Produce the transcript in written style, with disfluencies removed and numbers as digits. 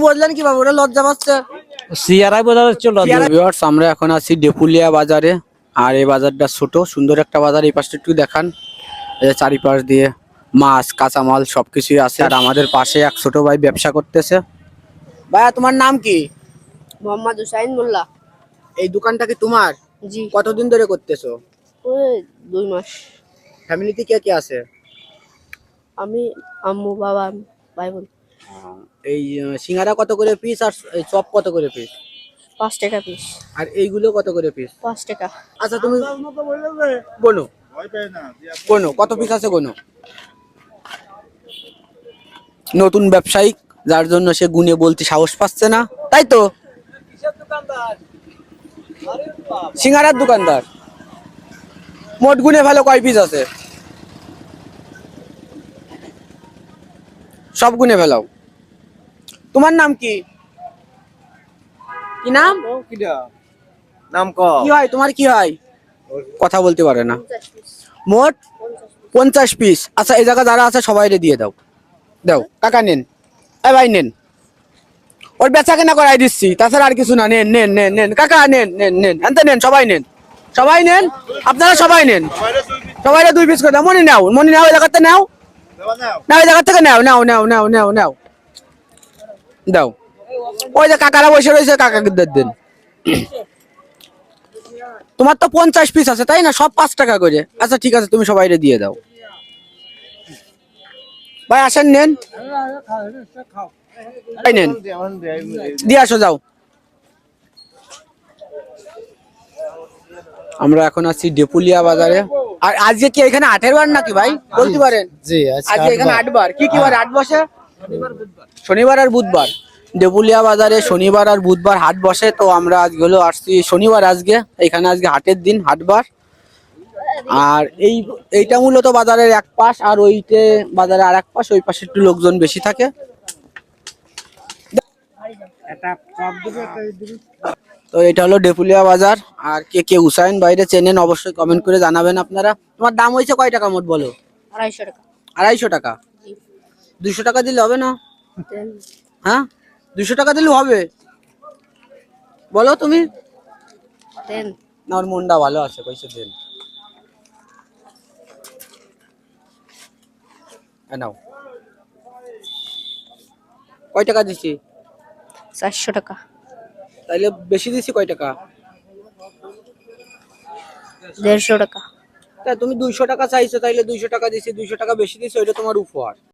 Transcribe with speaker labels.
Speaker 1: বললেন কিভাবে? ওরা লজ্জা পাচ্ছে।
Speaker 2: সিআরআই বোঝা যাচ্ছে ভিউয়ার্স, আমরা এখন আছি ডেপুলিয়া বাজারে। আর এই বাজারটা ছোট সুন্দর একটা বাজার। এই পাশটা একটু দেখান, এই যে চারিপাশ দিয়ে মাছ কাঁচামাল সবকিছুই আছে। আর আমাদের পাশে এক ছোট ভাই ব্যবসা করতেছে। ভাইয়া তোমার নাম কি?
Speaker 3: মোহাম্মদ হুসাইন মোল্লা।
Speaker 1: এই দোকানটা কি তোমার?
Speaker 3: জি।
Speaker 1: কতদিন ধরে করতেছো?
Speaker 3: ওই 2 মাস।
Speaker 1: ফ্যামিলিতে কে কে আছে?
Speaker 3: আমি, আম্মু, বাবা, ভাই বোন।
Speaker 1: এই সিঙ্গারা কত করে পিস আর এই চপ কত করে পিস?
Speaker 3: 5 টাকা পিস।
Speaker 1: আর এইগুলো কত করে পিস?
Speaker 3: 5 টাকা।
Speaker 1: আচ্ছা তুমি গোনো গোনো কত পিস আছে গোনো। নতুন ব্যবসায়িক, যার জন্য সে গুনে বলতে সাহস পাচ্ছে না, তাই তো? সিঙ্গারার দোকানদার। মোট গুনে ভালো কয় পিস আছে? সব গুনে ফেলাও। তোমার নাম কি? কি নাম?
Speaker 4: নাম
Speaker 1: কি হয় তোমার? কি হয়? কথা বলতে পারে না। মোট 50 পিস। আচ্ছা এই জায়গা যারা আছে সবাইরে দিয়ে দাও। দাও টাকা নেন। এই ভাই নেন, ওর বেচা কেনা করাই দিচ্ছি, তাছাড়া আর কিছু না। নেন নেন নেন নেন কাকা, নেন নেন নেন, আনতে নেন, সবাই নেন, সবাই নেন, আপনারা সবাই নেন, সবাইরে 2 পিস করে দাও। মনি নাও, মনি নাও, এই জায়গাতে নাও, নাও এই জায়গা থেকে নাও, নাও নাও নাও নাও নাও দাও। ওই যে কাকারা বসে রয়েছে, কাকাকে দেন। তোমার তো 50 পিস আছে তাই না? সব 5 টাকা করে। আচ্ছা ঠিক আছে, তুমি সবাইরে দিয়ে দাও। ভাই আসেন, নেন, ভাই নেন, দিয়ে আসো, যাও। আমরা এখন আছি ডেপুলিয়া বাজারে। আর আজকে কি এখানে 8-এর বার নাকি ভাই? বলতে পারেন?
Speaker 4: জি,
Speaker 1: আজকে এখানে 8 বার। কি কি বার 8 বসে? শনিবার আর বুধবার। ডেপুলিয়া বাজারে শনিবার আর বুধবার হাট বসে। তো আমরা আজকে হলো আসছি শনিবার। আজকে এখানে আজকে হাটের দিন, হাটবার। আর এইটা মূলত বাজারের এক পাশ, আর ওইতে বাজারের আর এক পাশ। ওই পাশে একটু লোকজন বেশি থাকে। তো এটা হলো ডেপুলিয়া বাজার। আর কে কে হুসাইন বাইরে চেনেন অবশ্যই কমেন্ট করে জানাবেন আপনারা। তোমার দাম হয়েছে কয় টাকা মোট বলো?
Speaker 3: 250 টাকা।
Speaker 1: 250 টাকা? 200 টাকা দিলে হবে না? হ্যাঁ 200 টাকা দিলে হবে? বলো তুমি।
Speaker 3: দেন।
Speaker 1: না ওর মনটা ভালো আছে, কইছে দেন। নাও, কয় টাকা দিছি?
Speaker 3: 400 টাকা।
Speaker 1: তাইলে বেশি দিছি কয় টাকা?
Speaker 3: 150 টাকা।
Speaker 1: তা তুমি 200 টাকা চাইছো, তাইলে 200 টাকা দিছি। 200 টাকা বেশি দিছি, ওইটা তোমার উপহার।